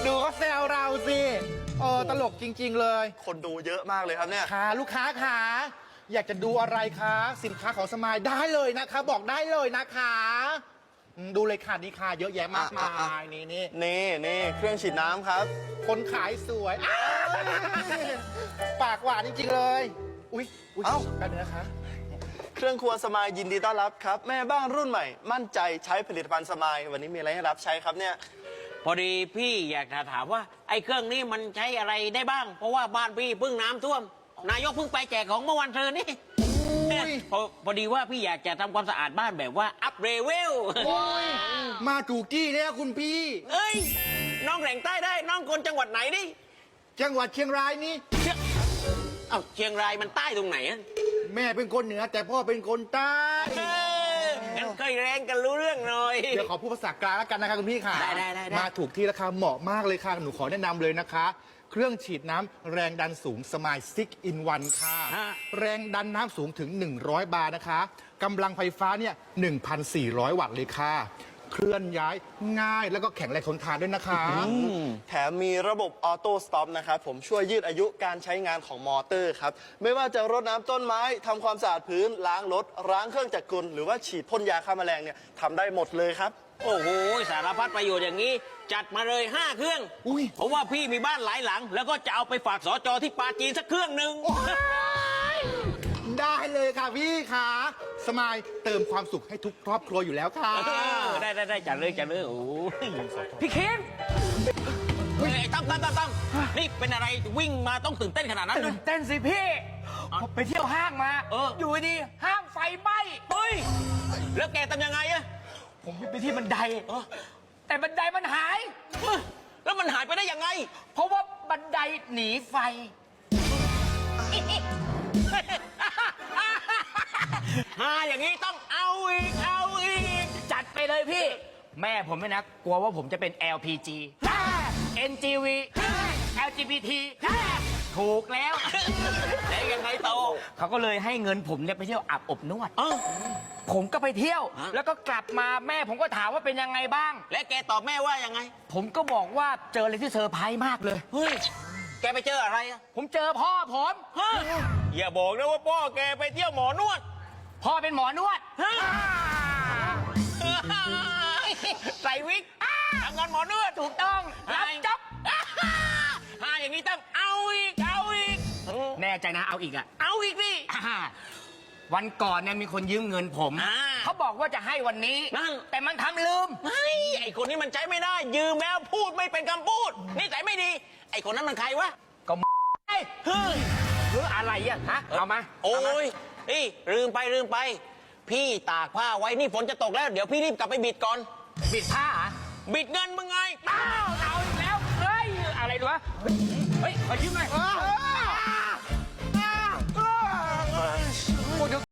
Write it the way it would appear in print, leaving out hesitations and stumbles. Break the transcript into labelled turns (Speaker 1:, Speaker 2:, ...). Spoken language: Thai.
Speaker 1: ดูเขาแซวเราสิตลกจริงๆเลย
Speaker 2: คนดูเยอะมากเลยครับเนี่ย
Speaker 1: ค่ะลูกค้าค่ะอยากจะดูอะไรคะสินค้าของสมายได้เลยนะคะ บอกได้เลยนะคะดูเลยค่ะนี่ค่ะเยอะแยะมากมาย
Speaker 2: นี่เครื่องฉีดน้ำครับ
Speaker 1: คนขายสวยปากหวานจริงๆเลยอุ๊ยกันนะคะ
Speaker 2: เครื่องครัวสมายยินดีต้อนรับครับแม่บ้านรุ่นใหม่มั่นใจใช้ผลิตภัณฑ์สมายวันนี้มีอะไรให้รับใช้ครับเนี่ย
Speaker 3: พอดีพี่อยากจะถามว่าไอ้เครื่องนี้มันใช้อะไรได้บ้างเพราะว่าบ้านพี่เพิ่งน้ำท่วมนายกเพิ่งไปแจกของเมื่อวันเธอนี่พอดีว่าพี่อยากจะทำความสะอาดบ้านแบบว่าอัพเรเวล
Speaker 1: มาถูกที่เนี่ยคุณพี่
Speaker 3: เอ้ยน้องแหล่งใต้ได้น้องคนจังหวัดไหนนี่
Speaker 1: จังหวัดเชียงรายนี่
Speaker 3: เชียงรายมันใต้ตรงไหนอะ
Speaker 1: แม่เป็นคนเหนือแต่พ่อเป็นคนใต้
Speaker 3: งั้นเคยแรงกันรู้เรื่องหน่อย
Speaker 1: เดี๋ยวขอพูดภาษากลางแล้วกันนะคะคุณพี่ค่ะ
Speaker 3: ได้
Speaker 1: มาถูกที่ราคาเหมาะมากเลยค่ะหนูขอแนะนำเลยนะคะเครื่องฉีดน้ำแรงดันสูงสมาย6 in 1ค่ะแรงดันน้ำสูงถึง100 บาร์นะคะกำลังไฟฟ้าเนี่ย1,400 วัตต์เลยค่ะเคลื่อนย้ายง่ายแล้วก็แข็งแรงทนทานด้วยนะคะ
Speaker 2: แถมมีระบบออโต้สต็อปนะครับผมช่วยยืดอายุการใช้งานของมอเตอร์ครับไม่ว่าจะรดน้ำต้นไม้ทำความสะอาดพื้นล้างรถล้างเครื่องจักรกลหรือว่าฉีดพ่นยาฆ่าแมลงเนี่ยทำได้หมดเลยครับ
Speaker 3: โอ้โหสารพัดประโยชน์อย่างนี้จัดมาเลย5 เครื่องเพราะว่าพี่มีบ้านหลายหลังแล้วก็จะเอาไปฝากสจที่ปาจีนสักเครื่องหนึ่ง
Speaker 1: ได้เลยค่ะพี่ค่ะสมายเติมความสุขให้ทุกครอบครัวอยู่แล้วค่ะ
Speaker 3: ได้จัดเลยโอ้พี่เคนตั้มนี่เป็นอะไรวิ่งมาต้องตื่นเต้นขนาดนั้น
Speaker 4: ตื่นเต้นสิพี่ไปเที่ยวห้างมาอยู่ดีห้างไฟไหม้
Speaker 3: เฮ้ยแล้วแกทำยังไงอะ
Speaker 4: ผมไปที่บันไดแต่บันไดมันหาย
Speaker 3: แล้วมันหายไปได้ยังไง
Speaker 4: เพราะว่าบันไดหนีไฟ
Speaker 3: อย่างนี้ต้องเอาอีก
Speaker 4: จัดไปเลยพี่แม่ผมไม่นะกลัวว่าผมจะเป็น LPG NGV LGBT ถูกแล้ว
Speaker 3: แล้วยังไงต่อ
Speaker 4: เขาก็เลยให้เงินผมเนี่ยไปเที่ยวอาบอบนวดผมก็ไปเที่ยวแล้วก็กลับมาแม่ผมก็ถามว่าเป็นยังไงบ้าง
Speaker 3: และแกตอบแม่ว่ายังไง
Speaker 4: ผมก็บอกว่าเจออะไรที่เซอร์ไพรส์มากเลย
Speaker 3: เฮ้ยแกไปเจออะไรอะ
Speaker 4: ผมเจอพ่อผม
Speaker 3: อย่าบอกนะว่าพ่อแกไปเที่ยวหมอนวด
Speaker 4: พ่อเป็นหมอนวด
Speaker 3: ใส่วิกทำงานหมอนวด
Speaker 4: ถูกต้องรับจ๊อบ
Speaker 3: อย่างนี้ต้องเอาอีก
Speaker 4: แน่ใจนะเอาอีกอะ
Speaker 3: เอาอีกดิ
Speaker 4: วันก่อนเนี่ยมีคนยืมเงินผมเขาบอกว่าจะให้วันนี้แต่มันทำลืม
Speaker 3: ไอ้คนนี้มันใช้ไม่ได้ยืมแล้วพูดไม่เป็นคำพูดนิสัยไม่ดีไอ้คนนั้นมันใครวะ
Speaker 4: ก็หรืออะไรอะฮะเอามา
Speaker 3: โอ้ยลืมไปพี่ตากผ้าไว้นี่ฝนจะตกแล้วเดี๋ยวพี่รีบกลับไปบิดก่อน
Speaker 4: บิดผ้า
Speaker 3: บิดเงินมึงไง
Speaker 4: เอาอีกแล้วเฮ้ยอะไรวะเฮ้ยขอยืมหน่อย